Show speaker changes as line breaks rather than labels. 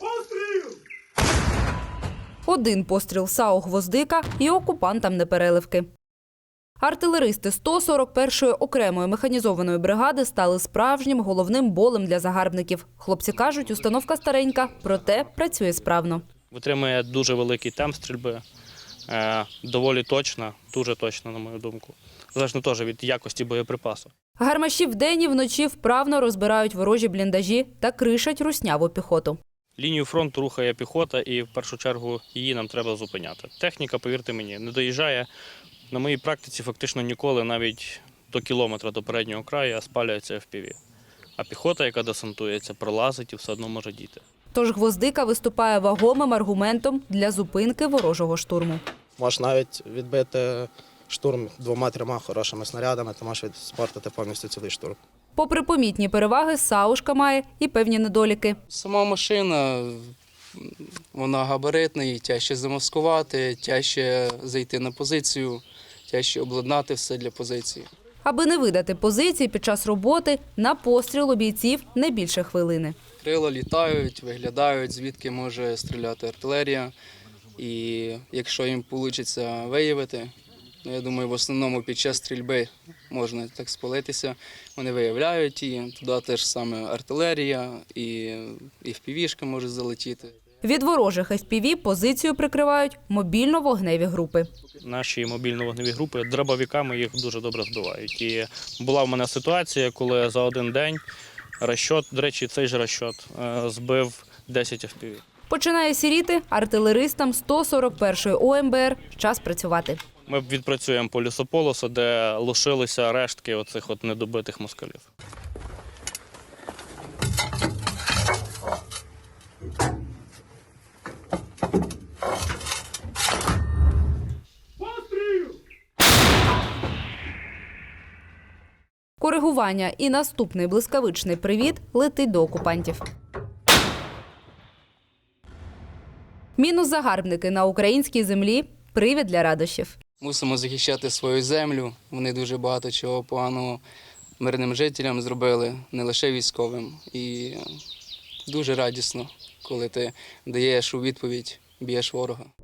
Один постріл САУ «Гвоздика» і окупантам непереливки. Артилеристи 141-ї окремої механізованої бригади стали справжнім головним болем для загарбників. Хлопці кажуть, установка старенька, проте працює справно.
Витримує дуже великий темп стрільби, доволі точна, дуже точна, на мою думку. Залежно теж від якості боєприпасу.
Гармаші вдень і вночі вправно розбирають ворожі бліндажі та кришать русняву піхоту.
Лінію фронту рухає піхота і в першу чергу її нам треба зупиняти. Техніка, повірте мені, не доїжджає. На моїй практиці фактично ніколи навіть до кілометра до переднього краю спалюється FPV. А піхота, яка десантується, пролазить і все одно може діти.
Тож «Гвоздика» виступає вагомим аргументом для зупинки ворожого штурму.
Можеш навіть відбити штурм 2-3 хорошими снарядами, то можеш спортити повністю цілий штурм.
Попри помітні переваги, «Саушка» має і певні недоліки.
Сама машина, вона габаритна, її тяжче замаскувати, тяжче зайти на позицію, тяжче обладнати все для позиції.
Аби не видати позиції під час роботи, на постріл у бійців не більше хвилини.
Крила літають, виглядають, звідки може стріляти артилерія. І якщо їм вийде виявити, я думаю, в основному під час стрільби можна так спалитися. Вони виявляють її, туди теж саме артилерія і FPV-шка може залетіти.
Від ворожих FPV позицію прикривають мобільно-вогневі групи.
Наші мобільно-вогневі групи дробовиками їх дуже добре збивають. І була в мене ситуація, коли за один день розчот, до речі, цей же розчот збив 10 FPV.
Починає сіріти артилеристам 141-ї ОМБР. Час працювати.
Ми відпрацюємо по лісополосу, де лишилися рештки оцих недобитих москалів.
Коригування і наступний блискавичний привіт летить до окупантів. Мінус загарбники на українській землі – привід для радощів.
Мусимо захищати свою землю. Вони дуже багато чого поганого мирним жителям зробили, не лише військовим. І дуже радісно, коли ти даєш у відповідь, б'єш ворога.